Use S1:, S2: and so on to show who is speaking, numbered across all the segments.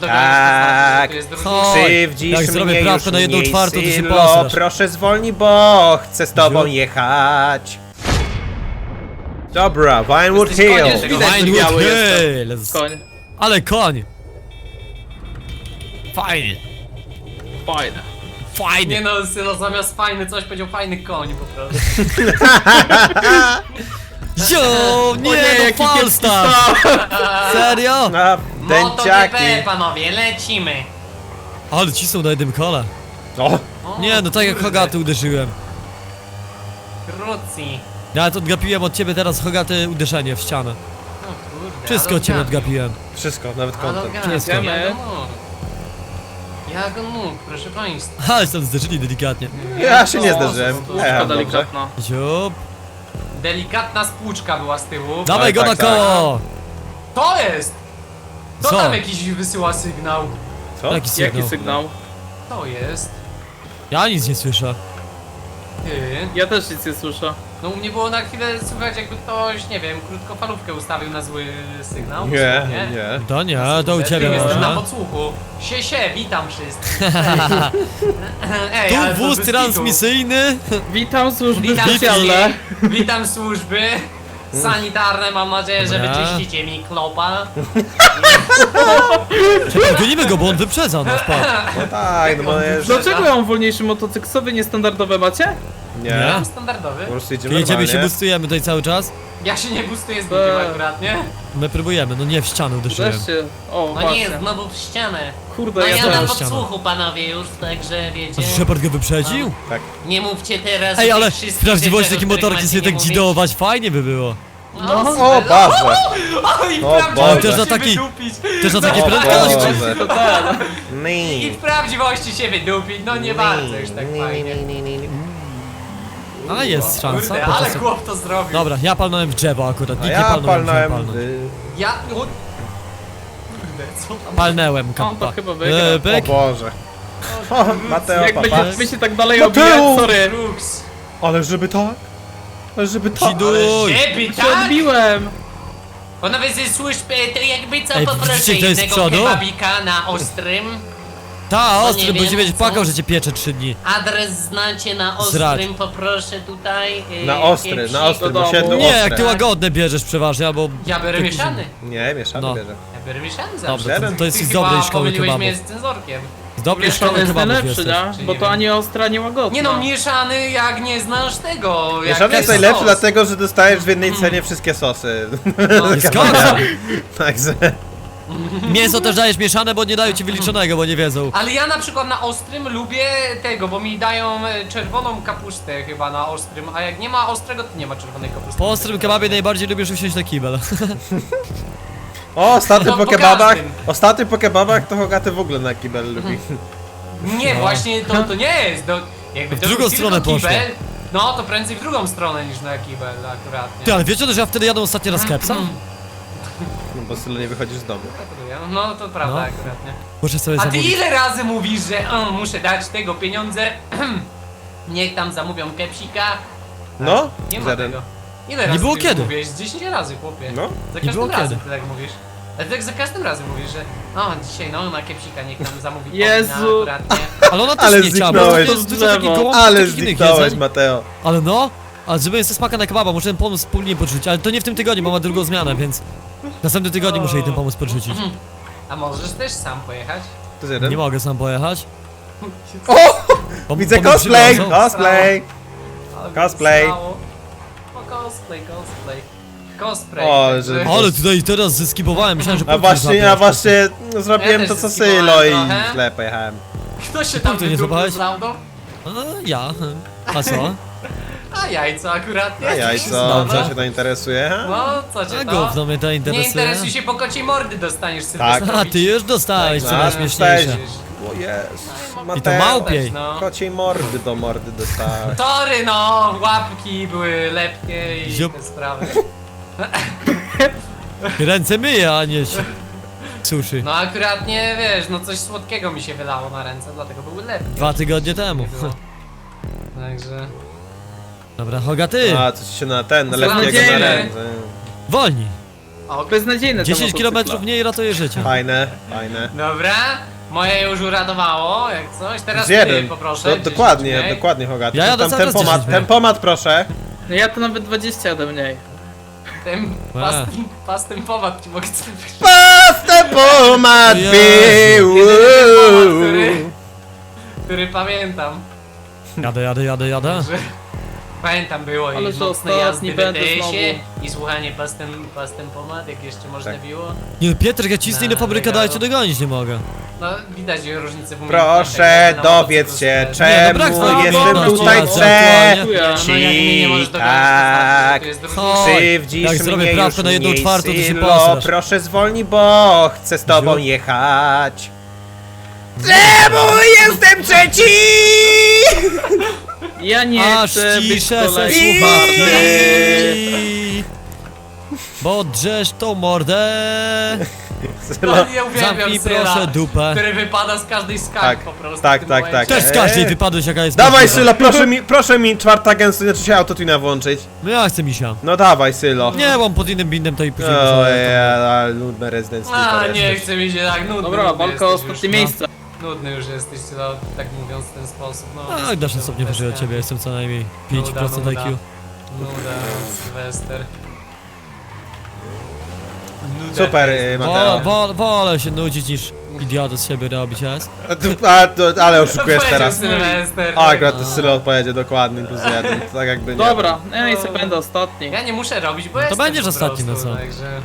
S1: Tak.
S2: to jest drugi.
S3: Chodź.
S1: Krzywdzisz
S3: Jak
S1: mnie
S3: zrobię
S1: już
S3: prawko na 1/4, to się
S1: Sylo,
S3: posrasz.
S1: proszę zwolnij, bo chcę z tobą
S3: Ziu.
S1: jechać. Dobra, Vinewood
S2: Jesteś koniem,
S1: Hill.
S2: tego
S4: Widać, że
S3: Vinewood
S4: biały
S3: Hills.
S4: Koń.
S3: Ale koń. Fajnie.
S4: Fajne.
S2: Nie
S3: Fajnie.
S2: no, Sylo zamiast fajny coś powiedział fajny koń po prostu.
S3: Jo, nie,
S4: jaki
S3: no Falstaff. Serio?
S1: No, dęciaki.
S2: MotoGP, panowie, lecimy.
S3: Ale ci są na jednym kole.
S1: O,
S2: O,
S3: Nie, no tak jak
S2: kurde.
S3: Hogaty uderzyłem.
S2: Krótki.
S3: Ja nawet odgapiłem od ciebie teraz Hogaty uderzenie w ścianę.
S2: O kurde.
S3: Wszystko
S2: ale
S3: od ciebie
S2: odgapił.
S3: odgapiłem.
S1: wszystko, nawet
S2: Ale
S1: konto.
S2: odgapił,
S3: Wszystko.
S2: jak on mógł. Jak on mógł, proszę państwa.
S3: Ale się tam zderzyli delikatnie.
S1: Ja się nie
S2: O,
S1: zdarzyłem.
S2: to
S1: Ja
S4: Szkoda
S1: jechałem dobrze.
S4: delikatna.
S3: Ziup.
S2: Delikatna spłuczka była z tyłu.
S3: Dawaj go
S1: tak,
S3: na
S1: tak.
S3: koło!
S2: To jest! To
S3: Co?
S2: tam jakiś wysyła sygnał.
S1: Co?
S3: Jaki sygnał?
S4: Jaki sygnał?
S2: To jest.
S3: Ja nic nie słyszę.
S2: Ty.
S4: Ja też nic nie słyszę.
S2: No u mnie było na chwilę słychać jakby ktoś, nie wiem, krótkofalówkę ustawił na zły sygnał.
S1: Nie, nie.
S3: To nie, to u ciebie
S2: Jestem na
S3: może.
S2: podsłuchu. Witam wszystkich. Ej, ale
S3: Tu
S2: to
S3: wóz
S2: bez
S3: transmisyjny.
S4: Witam służby
S2: Witam
S4: specjalne.
S2: wszystkich. Witam służby sanitarne, mam nadzieję, że
S3: Dobra.
S2: wyczyścicie mi klopa.
S3: Czekaj, gonimy go, bo on wyprzedza nas, patrz.
S1: No tak, no bo jest...
S4: Dlaczego ja mam wolniejszy motocykl? Co wy niestandardowe macie?
S1: Nie.
S2: Standardowy.
S1: Po prostu jedziemy
S3: Jedziemy i się
S1: normalnie.
S3: boostujemy tutaj cały czas.
S2: Ja się nie bustuję z bukiem akurat, nie?
S3: My próbujemy, no nie w ścianę uderzyłem.
S4: Wreszcie. O,
S2: No
S4: właśnie.
S2: nie, znowu w ścianę.
S4: Kurde,
S2: No
S4: ja
S2: ja
S4: też.
S2: na
S3: też
S2: podsłuchu panowie już, także wiecie.
S3: A Shepard go wyprzedził?
S1: Tak.
S2: Nie mówcie teraz
S3: Ej,
S2: o
S3: ale
S2: tych
S3: w
S2: wszystkich
S3: prawdziwości
S2: rzeczach,
S3: takie
S2: o których
S3: motorki
S2: macie
S3: sobie
S2: nie
S3: tak
S2: mówić.
S3: dzidować fajnie by było.
S2: No,
S1: O,
S2: super.
S1: Boże.
S2: O, i w
S1: O
S2: prawdziwości
S1: Boże.
S3: Też na
S2: się
S3: taki-
S2: wydupić.
S3: Też na takie
S1: O
S3: prędkości.
S1: Boże.
S4: To tak.
S2: I
S1: Nie.
S2: w prawdziwości się wydupić, no nie bardzo już tak fajnie.
S3: A jest szansa.
S2: Kurde, ale
S3: podczas-
S2: chłop to zrobił.
S3: Dobra, ja palnąłem w drzewo akurat,
S1: A
S3: nikt nie
S1: ja
S3: palnąłem,
S1: palnąłem...
S3: palnąłem.
S2: Ja... O... Kurde, co tam?
S3: Palnęłem,
S4: On
S3: kappa.
S4: to chyba wygra.
S1: O
S3: Pyk.
S1: Boże. O, Mateo,
S4: Jak
S1: papa.
S4: będziemy się tak dalej
S1: Mateo!
S4: obijać, sorry.
S2: Brooks.
S1: Ale żeby tak? Ale żeby tak?
S3: Dziduj.
S2: Żeby
S4: Się
S2: tak?
S4: odbiłem.
S2: Panowie ze służb, to jakby co
S3: Ej,
S2: poproszę
S3: widzicie, kto jest z
S2: jednego
S3: przodu?
S2: kebabika na ostrym.
S3: Ta, ostry,
S2: nie
S3: bo
S2: wiem,
S3: się będzie
S2: co?
S3: płakał, że cię piecze 3 dni.
S2: Adres znacie na ostrym,
S3: Zrać.
S2: poproszę tutaj.
S1: Na ostry,
S2: kiepsik.
S1: na ostry,
S4: do
S1: bo
S4: domu.
S1: siedlu
S3: Nie,
S1: ostre.
S3: jak ty łagodne bierzesz przeważnie, albo...
S2: Ja biorę mieszany.
S1: Nie, mieszany
S3: No.
S1: bierze.
S2: Ja biorę mieszany zawsze.
S3: Dobrze, to,
S1: Siedem.
S3: to jest
S2: Ty
S3: z
S2: chyba
S3: dobrej szkoły
S2: pomyliłeś
S3: kebabów.
S2: mnie z cenzorkiem.
S3: Z dobrej
S4: Mieszany
S3: szkoły
S4: jest
S3: kebabów
S4: najlepszy,
S3: jesteś.
S4: nie? Bo to ani ostra, ani łagodna.
S2: Nie no, mieszany jak nie znasz tego. jak
S1: Mieszany jest
S2: sos.
S1: najlepszy dlatego, że dostajesz w jednej cenie wszystkie sosy.
S2: No,
S3: Jest końca.
S1: Także...
S3: Mięso też dajesz mieszane, bo nie dają ci wyliczonego, bo nie wiedzą.
S2: Ale ja na przykład na ostrym lubię tego, bo mi dają czerwoną kapustę chyba na ostrym, a jak nie ma ostrego, to nie ma czerwonej kapusty.
S3: Po ostrym kebabie najbardziej lubisz usiąść na kibel.
S1: O, ostatnio
S2: No,
S1: po
S2: po
S1: kebabach,
S2: każdym.
S1: ostatnio po kebabach to Hogaty w ogóle na kibel lubi.
S2: Nie, właśnie to nie jest. Jakby
S3: W
S2: to
S3: drugą
S2: był
S3: stronę
S2: tylko
S3: poszło.
S2: kibel, no to prędzej w drugą stronę niż na kibel akurat, nie?
S3: Ty, ale wiecie, że ja wtedy jadę ostatni raz kepsa?
S1: No bo Sylo nie wychodzisz z domu.
S2: No to prawda
S3: No.
S2: akurat, nie?
S3: Muszę sobie
S2: A ty
S3: zamówić.
S2: ile razy mówisz, że muszę dać tego pieniądze, niech tam zamówią kepsika?
S1: No,
S2: Nie ma
S1: żaden.
S2: tego. Ile razy
S3: było
S2: ty
S3: kiedy.
S2: mówisz? 10 razy, chłopie.
S1: No.
S2: Za
S3: Nie było
S2: każdym razem
S3: kiedy.
S2: ty tak mówisz. Ale tak za każdym razem mówisz, że dzisiaj no na kepsika niech tam zamówi
S4: Jezu.
S2: powinna akurat, nie?
S3: Ale ona też
S1: Ale
S3: nie chciała, bo
S1: zniknąłeś.
S3: to jest dużo takich
S4: Drzewo.
S3: gołąbków,
S1: Ale
S3: takich innych
S1: zniknąłeś,
S3: jedzeń.
S1: Mateo.
S3: Ale no, ale żeby jest smaka na kebaba, muszę ten pomysł wspólnie podrzucić, ale to nie w tym tygodniu, bo ma drugą zmianę, więc... W następnym tygodniu muszę jej ten pomysł podrzucić.
S2: A możesz też sam pojechać?
S1: To jest jeden.
S3: Nie mogę sam pojechać.
S1: O!
S3: Bo,
S1: Widzę
S3: bo mnie
S1: cosplay!
S3: przywiozą.
S1: Cosplay! Cosplay.
S2: O, cosplay. Cosplay.
S1: O,
S2: także-
S1: że-
S3: Ale tutaj teraz zeskipowałem, myślałem, że
S1: A
S3: punkty
S1: właśnie,
S3: złapię.
S1: ja właśnie zrobiłem
S2: Ja
S1: to
S2: też
S1: co
S2: zeskipowałem
S1: Sylo i
S2: trochę.
S1: źle pojechałem.
S2: Kto się tam
S3: punktu nie
S2: wydupił
S3: złapałeś?
S2: z laudą?
S3: A, ja. A co?
S2: A jajco akurat nie.
S1: A jajco,
S3: Dobrze.
S1: co się to interesuje? ha?
S2: No, co cię
S3: A
S2: to?
S3: gówno mnie to
S2: Nie
S3: interesuje.
S2: interesuj się, po kociej mordy dostaniesz
S1: Tak.
S2: Sylwestrowicz.
S3: A, ty już dostałeś, co
S1: Tak,
S3: najśmieszniejsze.
S1: O jest,
S3: I to
S1: Mateo.
S3: małpiej.
S2: No.
S1: Kociej mordy do mordy dostałeś.
S2: Tory no, łapki były lepkie i
S3: Ziup.
S2: te sprawy.
S3: Ręce myję, a nie się suszy.
S2: No akurat nie, wiesz, no coś słodkiego mi się wylało na ręce, dlatego były lepkie.
S3: 2 tygodnie temu.
S2: Nie było. Także...
S3: Dobra, Hogaty,
S1: A, coś się na ten, na
S2: Mam
S1: letniego na
S2: nadzieję.
S1: ręce.
S3: wolni.
S2: Ok.
S4: Beznadziejne te
S3: 10
S4: motocykle.
S3: km mniej ratuje życie.
S1: Fajne, fajne.
S2: Dobra, moje już uradowało, jak coś. Teraz
S1: Z
S2: ty
S1: jeden.
S2: poproszę.
S1: Do,
S2: 10
S1: dokładnie,
S2: mniej.
S1: dokładnie, Hogaty.
S3: Ja jadę
S1: Tam
S3: cały czas
S1: tempomat,
S3: 10.
S1: tempomat proszę.
S4: No ja to nawet 20 jadę mniej.
S2: Pas tempomat ci mogę zrobić.
S1: Pas tempomat
S3: Jezu.
S1: był.
S2: Który pamiętam.
S3: Jadę.
S2: Że pamiętam było
S4: Ale
S2: i
S4: że
S2: mocne
S4: ostatni
S2: jazdy w
S4: będę
S2: ETS-ie
S4: znowu.
S2: i słuchanie pas tempomat, jak jeszcze można
S1: Tak.
S2: było.
S3: Nie, Pietrek, ja cisnę ile fabryka daje, cię dogonić nie mogę.
S2: No widać różnicę w
S1: Proszę
S2: na
S1: dowiedz
S2: motocyklu
S1: się,
S2: z-
S3: Nie, no brak
S1: czemu
S3: znaku,
S1: jestem
S3: no,
S1: tutaj
S3: no,
S1: C.
S4: Dziękuję.
S2: No jak mnie nie możesz dogonić,
S1: Tak.
S2: to znaczy, że tu jest
S3: Chodź.
S2: różnica.
S3: Jak
S1: Krzywdzisz
S3: zrobię
S1: mnie
S3: prawko
S1: już
S3: na 1/4, to się
S1: Sylo,
S3: posrasz.
S1: proszę zwolnij, bo chcę z tobą
S3: Ziu.
S1: jechać. Czemu jestem trzeci?
S4: Ja nie
S3: Aż
S4: chcę być
S3: ciszę se
S4: kolejny.
S3: słuchawki. Bo drzesz tą mordę.
S1: Sylo,
S2: No, ja uwielbiam
S3: Zamknij
S2: Syla,
S3: proszę dupę.
S2: który wypada z każdej skali
S1: Tak,
S2: po prostu.
S1: tak,
S2: w tym
S1: tak,
S2: momencie.
S3: Też z każdej wypadłeś jaka jest
S1: dawaj
S3: możliwa.
S1: Sylo, proszę mi czwarta gęstość, znaczy się autotuna włączyć.
S3: No ja chcę misia.
S1: No dawaj Sylo.
S3: Nie, mam pod innym bindem to i później
S1: O,
S3: muszę-
S1: ale nudne Resident
S2: A,
S1: Evil
S2: nie
S1: jesteś.
S2: chce mi się tak nudny.
S4: Dobra,
S2: nudny
S4: walka o
S2: jesteś
S4: ostatnie
S2: już.
S4: miejsce.
S2: Nudny już jesteś, no, tak mówiąc w ten sposób. No,
S3: A, dasz na stopnie wyżej od ciebie, jestem co najmniej 5%
S2: Nuda,
S3: IQ.
S2: Nuda, Sylwester. Nuda.
S1: Super, Mateo.
S3: Wolę się nudzić niż idiotę z siebie robić, jest?
S1: Ale oszukujesz
S2: Powiedział
S1: teraz.
S2: Sylwester.
S1: A, akurat to Sylo pojedzie dokładnie +1, tak jakby nie.
S4: Dobra, ja i sobie będę ostatni.
S2: Ja nie muszę robić, bo jestem
S3: będziesz
S2: po
S3: ostatni, no
S2: prostu,
S3: co?
S2: Także...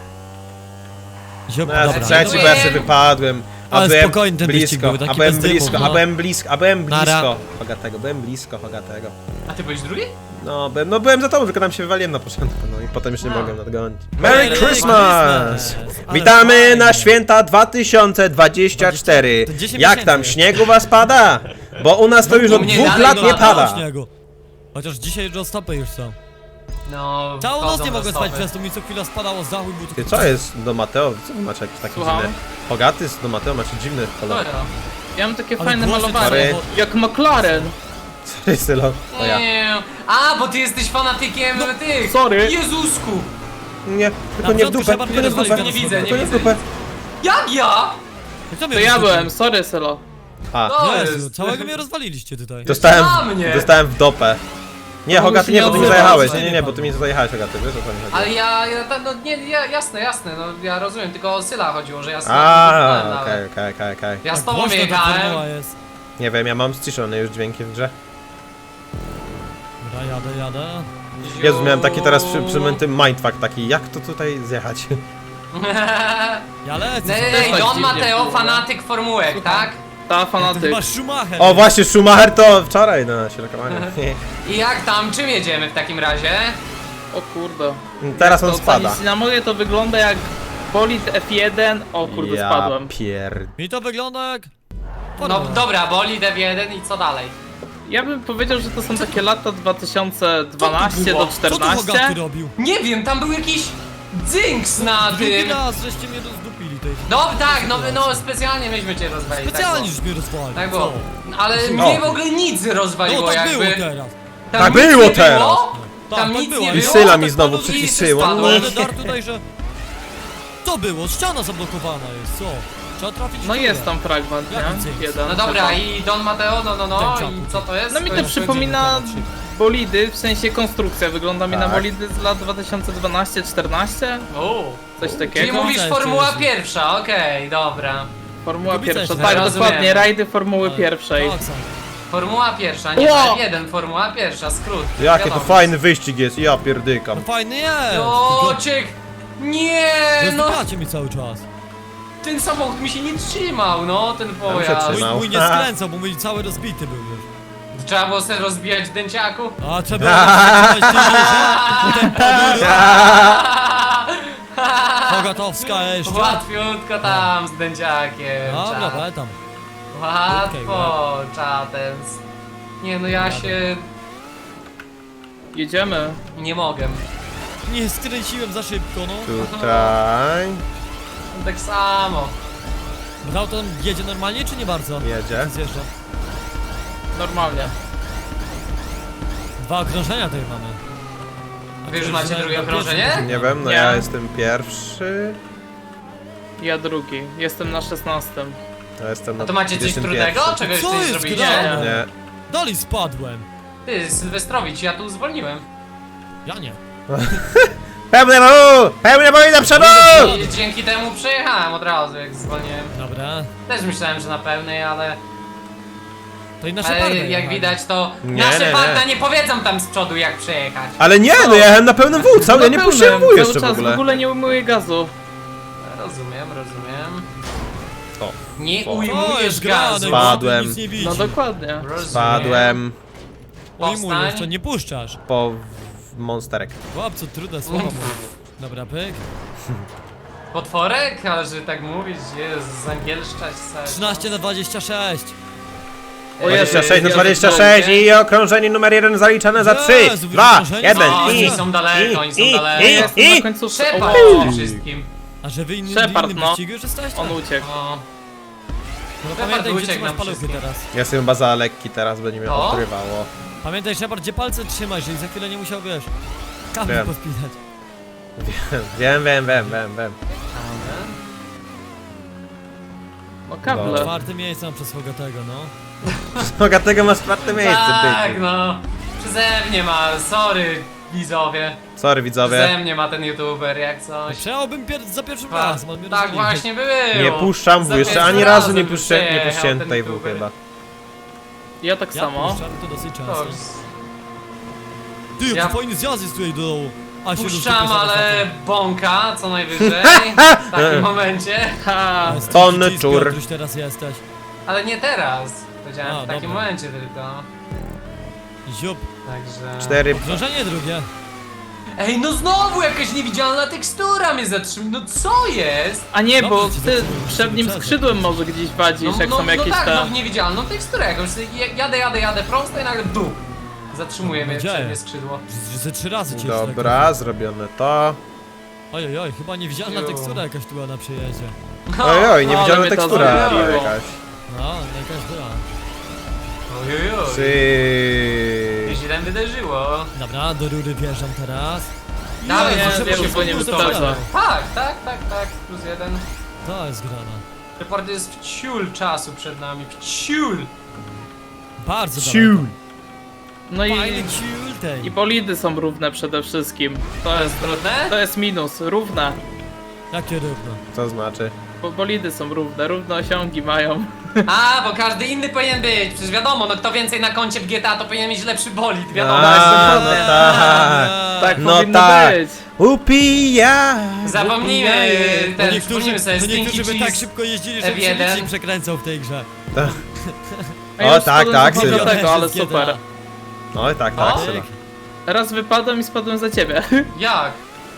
S1: No, ja
S3: Dobra,
S1: trzeci, bo ja sobie wypadłem. A
S3: Ale
S1: byłem
S3: spokojny ten wyścig
S1: blisko,
S3: był, taki
S1: a byłem
S3: bez dymu,
S1: blisko,
S3: no.
S1: a byłem
S3: Nara.
S1: blisko Hogatego, byłem blisko Hogatego.
S2: A ty byłeś drugi?
S1: No byłem za tobą, tylko tam się wywaliłem na początku, no i potem już nie
S2: A.
S1: mogłem nadgonić.
S3: Merry
S1: Merry Christmas!
S3: Christmas! Ale
S1: Witamy
S3: fajnie.
S1: na święta 2024.
S3: To 10
S1: Jak tam,
S3: miesięcy.
S1: śniegu was pada? Bo u nas to już
S2: u
S1: od
S2: mnie
S1: 2
S2: dalej
S1: lat
S2: nie
S1: nie
S2: pada.
S1: pada.
S3: Śniegu. Chociaż dzisiaj roztopy już są.
S2: No,
S3: Całą noc
S2: wchodzą
S3: nie mogłem
S2: roztowy.
S3: spać, przez to mi co chwila spadało z dachu i był
S1: Ty,
S3: tylko...
S1: co jest do Mateo? Co wy macie jakieś takie
S4: Słucham?
S1: dziwne? Hogaty do Mateo macie dziwny kolor.
S2: Dobra.
S4: Ja mam takie
S3: Ale
S4: fajne
S3: głośny
S4: malowanie.
S1: Sorry.
S4: Jak McLaren.
S1: Sorry, Sylo, to ja.
S2: Nie. A, bo ty jesteś fanatykiem tych.
S4: sorry.
S2: Jezusku.
S1: Nie, tylko
S3: Na
S1: nie w
S3: początku
S1: dupę,
S3: trzeba
S1: tylko nie w
S3: rozwalić,
S1: dupę.
S3: to nie
S2: widzę,
S1: Tylko
S2: nie
S1: nie w
S2: widzę.
S1: dupę.
S2: Jak ja?
S3: Kto mnie
S4: To ja
S3: rozwalił?
S4: byłem, sorry Sylo.
S1: A,
S2: To
S3: Jezu,
S2: jest.
S3: całego mnie rozwaliliście tutaj.
S2: Na mnie.
S1: dostałem w dopę. Nie,
S4: No,
S1: Hogaty,
S4: się
S1: nie,
S4: nie
S1: bo ty mi
S4: odzywasz,
S1: zajechałeś,
S3: nie?
S1: nie, bo ty mi zajechałeś, Hogaty, wiesz o co mi chodzi?
S2: Ale no nie, jasne, no ja rozumiem, tylko o Syla chodziło, że ja Syla
S1: A,
S2: nie
S1: okej,
S2: nawet.
S1: okej.
S2: Ja z
S3: Tak
S2: tobą
S3: głośno ta
S2: jechałem.
S3: formuła jest.
S1: Nie wiem, ja mam ściszone już dźwięki w grze.
S3: Dobra, jadę.
S1: Jezu, miałem taki teraz przymęty mindfuck taki, jak to tutaj zjechać?
S3: Ja lecę.
S2: Ej,
S4: tak
S2: Don
S4: dziwnie
S2: Mateo,
S4: było, no.
S2: fanatyk formułek, tak?
S4: Ta
S3: To
S4: fanatyk.
S3: chyba Schumacher.
S1: O, właśnie, Schumacher to wczoraj na sierokowaniu.
S2: I jak tam, czym jedziemy w takim razie?
S4: O kurde.
S1: Teraz on
S4: To
S1: spada.
S4: ocenić na moje to wygląda jak bolid F1. O kurde,
S1: Ja
S4: spadłem.
S3: Mi to wygląda jak...
S2: No
S3: Formuła.
S2: dobra, boli F1 i co dalej?
S4: Ja bym powiedział, że to są takie lata 2012
S2: było?
S4: do
S3: Co tu
S4: 14.
S3: Hogaty robił?
S2: Nie wiem, tam był jakiś dzinks na
S3: Drugi
S2: tym.
S3: raz żeście mnie rozdupili tej...
S2: No tak, no specjalnie myśmy cię rozwalili.
S3: Specjalnie
S2: tak
S3: już mnie rozwalił.
S2: Tak było.
S3: Co?
S2: Ale
S1: No.
S2: mnie w ogóle nic rozwaliło
S3: No tak
S2: jakby.
S3: było teraz.
S2: Tam
S1: Tak
S2: nic
S1: było
S2: nie
S1: teraz.
S2: Było?
S3: Tak,
S2: Tam
S3: tak
S2: nic
S3: było.
S2: nie
S3: I
S2: było.
S1: Syla mi
S2: tak
S1: znowu
S2: padło i
S1: przyciszyło.
S2: spadłem.
S3: Ale dar tutaj, że... Co było? Ściana zablokowana jest, co? Trzeba trafić w
S4: No
S3: górę.
S4: jest tam fragment,
S3: Jaki
S4: nie?
S3: cynk?
S4: Jeden.
S2: No dobra, i Don Mateo, no
S3: Ten
S2: i co to jest?
S4: No mi to
S2: jest-
S4: przypomina bolidy, w sensie konstrukcja. Wygląda mi na
S1: Tak.
S4: bolidy z lat 2012-14.
S2: O.
S4: Coś
S2: Czyli
S4: takiego.
S2: mówisz
S3: Cześć,
S2: Formuła
S3: cześć.
S2: pierwsza, okej, dobra.
S4: Formuła
S3: Kubica
S4: pierwsza,
S3: jeszcze
S4: tak,
S2: rozumiem.
S4: dokładnie, rajdy Formuły pierwszej.
S3: Tak, są.
S2: Formuła pierwsza, nie
S4: Ło!
S2: F1, Formuła pierwsza, skrót.
S1: Jakie to
S2: wiadomo.
S1: fajny wyścig jest, ja pierdykam.
S3: No fajny jest!
S2: O, ciek! Nie, no
S3: Rozdupiacie mi cały czas.
S2: ten samochód mi się nie trzymał, no ten
S1: się
S2: pojazd.
S1: trzymał.
S3: Mój nie skręcał, bo mój cały rozbity był już.
S2: Trzeba było sobie rozbijać w dęciaku?
S3: A trzeba było potem podór. Pogatowska jeszcze.
S2: Łatwiutko tam z dęciakiem.
S3: Dobra,
S2: czat.
S3: daj tam.
S2: Łatwo, czatens. Nie no ja się
S4: Jedziemy.
S2: nie mogę.
S3: Nie skręciłem za szybko, no.
S1: Tutaj
S2: Tak samo.
S3: Brał to jedzie normalnie, czy nie bardzo?
S1: jedzie.
S3: Zjeżdża.
S4: Normalnie.
S3: 2 okrążenia tutaj mamy.
S2: Wy już macie drugie okrążenie?
S1: Nie wiem, no
S4: Nie.
S1: ja jestem pierwszy.
S4: Ja drugi. Jestem na 16.
S1: Ja jestem
S2: A
S1: na
S2: to macie coś
S1: 21.
S2: trudnego? Czegoś
S3: Co
S2: nie
S3: jest
S2: zrobiliście?
S3: grane?
S1: Nie.
S3: Dalej spadłem.
S2: Ty, Sylwestrowic, ja tu zwolniłem.
S3: Ja nie.
S1: Pełne boi do przodu!
S2: I dzięki temu przejechałem od razu, jak zwolniłem.
S3: Dobra.
S2: Też myślałem, że na pełnej, ale
S3: To i nasza parta.
S2: jak widać to
S1: Nie,
S2: nasze
S1: nie,
S2: parta
S1: nie.
S2: nie powiedzą tam z przodu jak przejechać.
S1: Ale nie, no ja jechałem na pełnym W, ja nie puściłem W jeszcze w
S4: Cały czas
S1: ogóle.
S4: w ogóle nie ujmuję gazu.
S2: Rozumiem.
S1: O,
S2: Nie
S1: o.
S3: O,
S2: ujmujesz
S3: jest grane,
S2: gazu.
S1: Spadłem.
S3: nic nie widzi.
S4: No dokładnie.
S2: Rozumiem.
S1: Spadłem
S3: Ujmujesz,
S2: Powstań.
S3: to nie puszczasz.
S1: po monsterek.
S3: Chłopcu, trudne słowo mów. Dobra, pyk.
S2: Potworek? Ale że tak mówić, jest zangielszczać se.
S3: 13 na 26.
S4: O Jezu,
S1: 26 na
S4: ja
S1: 26 i okrążenie numer 1 zaliczane za 3,
S3: Jezu,
S1: 2,
S3: wykrążenie?
S1: 1
S2: No,
S1: i...
S2: oni są daleko, oni są daleko.
S4: Ja jestem na końcówce.
S2: Szepard
S4: O,
S2: przede wszystkim.
S3: A że wy innym
S4: Shepard, no.
S3: wyścigu już jesteście?
S4: on uciekł.
S2: O,
S3: No
S2: Shepard
S3: pamiętaj, gdzie
S2: uciekł
S3: trzymasz
S2: nam
S3: paluchy
S2: wszystkim.
S3: teraz.
S1: Ja jestem chyba za lekki teraz, będzie mnie
S2: To?
S1: odrywało.
S3: Pamiętaj, Shepard, gdzie palce trzymasz, żeby za chwilę nie musiał, wiesz, kabel
S1: Wiem.
S3: pospinać.
S1: Wiem.
S4: No kable.
S3: Czwarte miejsce mam przez Fogatego, no.
S1: Bogatego masz czwarte miejsce,
S2: tak,
S1: byku.
S2: no. Przeze mnie ma, sorry widzowie.
S1: Sorry widzowie.
S2: Przeze mnie ma ten youtuber, jak coś.
S3: Przejąłbym za pierwszym razem, on mnie
S2: Tak
S3: rozwalił.
S2: właśnie było.
S1: Nie puszczam W,
S2: Za
S1: jeszcze
S2: pierwszym
S1: ani razu
S2: razem
S1: nie
S2: już
S1: puściłem
S2: przejechał ten
S1: tutaj W
S2: youtuber.
S1: chyba.
S4: Ja tak
S3: Ja
S4: samo.
S3: puszczam to dosyć
S2: To
S3: często.
S2: już
S3: Ty, jaki
S2: Ja-
S3: fajny zjazd jest tutaj do dołu. A się
S2: puszczam,
S3: rozsypie zaraz
S2: ale
S3: na tym.
S2: bąka co najwyżej w takim momencie.
S4: Ha!
S3: Ale
S1: Tonny
S3: ty,
S1: czur.
S3: Piotruś, teraz jesteś.
S2: Ale nie teraz. Powiedziałem
S3: A,
S2: w takim
S3: dobra.
S2: momencie tylko.
S3: Ziup.
S2: Także...
S1: 4.
S3: Okrążenie drugie.
S2: Ej, no znowu jakaś niewidzialna tekstura mnie zatrzymuje. No co jest?
S4: A nie, bo
S3: Dobrze ci
S4: ty
S3: zaczęło,
S4: przed nim
S3: przestań.
S4: skrzydłem może gdzieś wadzisz, jak są jakieś
S2: tak,
S4: te...
S2: no w niewidzialną teksturę jakąś. Jadę prosto i nagle duch. Zatrzymuje mnie
S3: Dzieje.
S2: przednie skrzydło.
S3: Że ze 3 razy cię
S1: Dobra, zrobione to.
S3: Oj, chyba niewidzialna
S2: Ju.
S3: tekstura jakaś tu była na przejeździe.
S1: Ojoj, niewidzialna
S4: ale mnie to
S1: tekstura
S4: zabiło.
S1: jakaś.
S3: No, jakaś była.
S2: Ojojoj.
S1: Czy...
S2: Źle wydarzyło.
S3: Dobra, do rury wjeżdżam teraz.
S2: Dawaj,
S4: nie,
S2: proszę,
S4: wiem,
S2: proszę,
S4: bo nie
S2: proszę,
S4: wyprzedza.
S2: Tak, plus 1.
S3: To jest grana.
S2: Report jest w ciul czasu przed nami, w ciul.
S3: Bardzo
S1: Ciu.
S3: daleko.
S4: No i...
S3: Fajny ciul tej.
S4: I bolidy są równe przede wszystkim.
S2: To jest trudne?
S4: To jest minus, równe.
S3: Jakie równo.
S1: Co znaczy?
S4: Bo bolidy są równe osiągi mają.
S2: A, bo każdy inny powinien być. Przecież wiadomo, no kto więcej na koncie w GTA, to powinien mieć lepszy bolid, wiadomo.
S1: A, no
S4: dokładnie.
S1: tak.
S4: Tak
S1: No
S4: powinno
S1: tak.
S4: być.
S1: Upija!
S2: Zapomnijmy
S3: To
S2: też,
S3: niektórzy,
S2: przypomnijmy sobie
S3: to
S2: Stinky
S3: niektórzy by
S2: Cheese.
S3: tak szybko jeździli, że
S2: F1.
S3: się nic nie przekręcał w tej grze.
S4: A ja
S1: O,
S4: już
S1: tak,
S4: spadłem
S1: tak,
S4: za
S1: Sylwia.
S4: tego, ale
S3: Wszystkie
S4: super.
S3: te-
S1: No i tak,
S2: O.
S1: Syla.
S4: Raz wypadłem i spadłem za ciebie.
S2: Jak?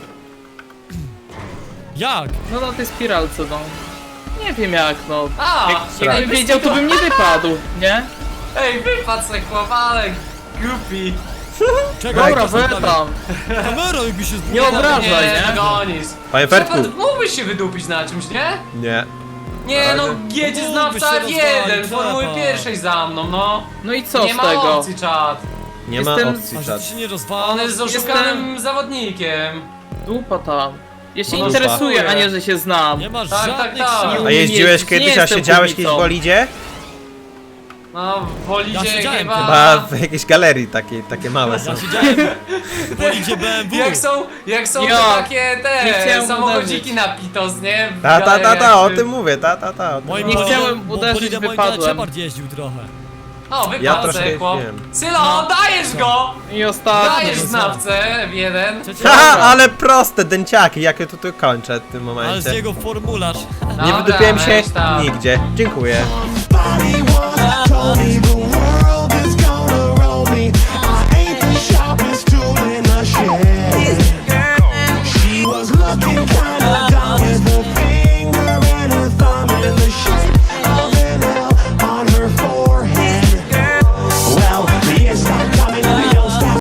S3: Jak?
S4: No na tej spiralce, no. Nie wiem jak, no.
S2: A,
S4: Jakbym wiedział, to bym nie wypadł, nie?
S2: Ej, wypadł se chłopalek, głupi.
S3: Czekaj,
S4: Dobra,
S3: to zostawię.
S4: tam.
S3: Kamera jakby się
S4: Nie
S3: zbudował.
S4: obrażaj,
S2: Nie,
S4: nie?
S2: dogonisz.
S1: Panie Fertku.
S2: Shepard, mógłbyś się wydupić na czymś, nie?
S1: Nie.
S2: Nie no,
S1: Ale-
S2: jedzie
S3: Mógłbyś
S2: znawca
S3: się
S2: F1,
S3: rozwalić,
S2: Formuły
S3: Shepard.
S2: pierwszej za mną, no.
S4: No i co
S2: Nie
S4: z
S2: ma
S4: tego?
S2: opcji, czad.
S1: Nie ma
S4: Jestem-
S1: opcji,
S3: A że
S1: czat.
S3: ty się nie
S2: On
S3: rozwala?
S2: jest oszukanym zawodnikiem.
S4: Dupa tam. Ja się
S1: No
S4: interesuję,
S2: dupa.
S4: a nie, że się znam.
S3: Nie masz
S2: Tak,
S3: żadnych
S2: tak.
S3: sił.
S1: A
S4: Nie
S1: jeździłeś
S4: jeździć, nie
S1: kiedyś, a
S4: jestem
S1: siedziałeś kiedyś w
S4: kubicą.
S1: bolidzie?
S2: No, w Bolidzie
S3: Ja siedziałem
S2: chyba...
S1: Chyba w jakiejś galerii takiej, takie małe są.
S3: Ja siedziałem w bolidzie BMW.
S2: Jak są
S4: Ja
S2: te takie
S4: nie
S2: te
S4: chciałem
S2: samochodziki
S4: uderzyć.
S2: na Pitos, nie? W
S1: Ta,
S2: galeriach,
S1: o
S2: czy-
S1: tym mówię, ta. o tym
S3: Moim
S4: Nie
S1: mówię.
S4: chciałem uderzyć,
S3: bolidem moim
S4: wypadłem.
S3: Shepard jeździł trochę.
S2: O,
S1: Ja
S2: wypadł
S1: troszkę
S2: sobie chłop.
S1: wiem.
S2: Sylo, dajesz go!
S4: I ostatni.
S2: Dajesz
S3: no co?
S2: znawcę w jeden.
S3: Przecież...
S1: Haha, ale proste, dęciaki, jak ja tu kończę w tym
S3: Ale z
S1: momencie.
S3: niego formularz.
S1: Nie
S2: Dobra,
S1: wydupiłem się
S2: weź tam.
S1: nigdzie. Dziękuję.
S5: Body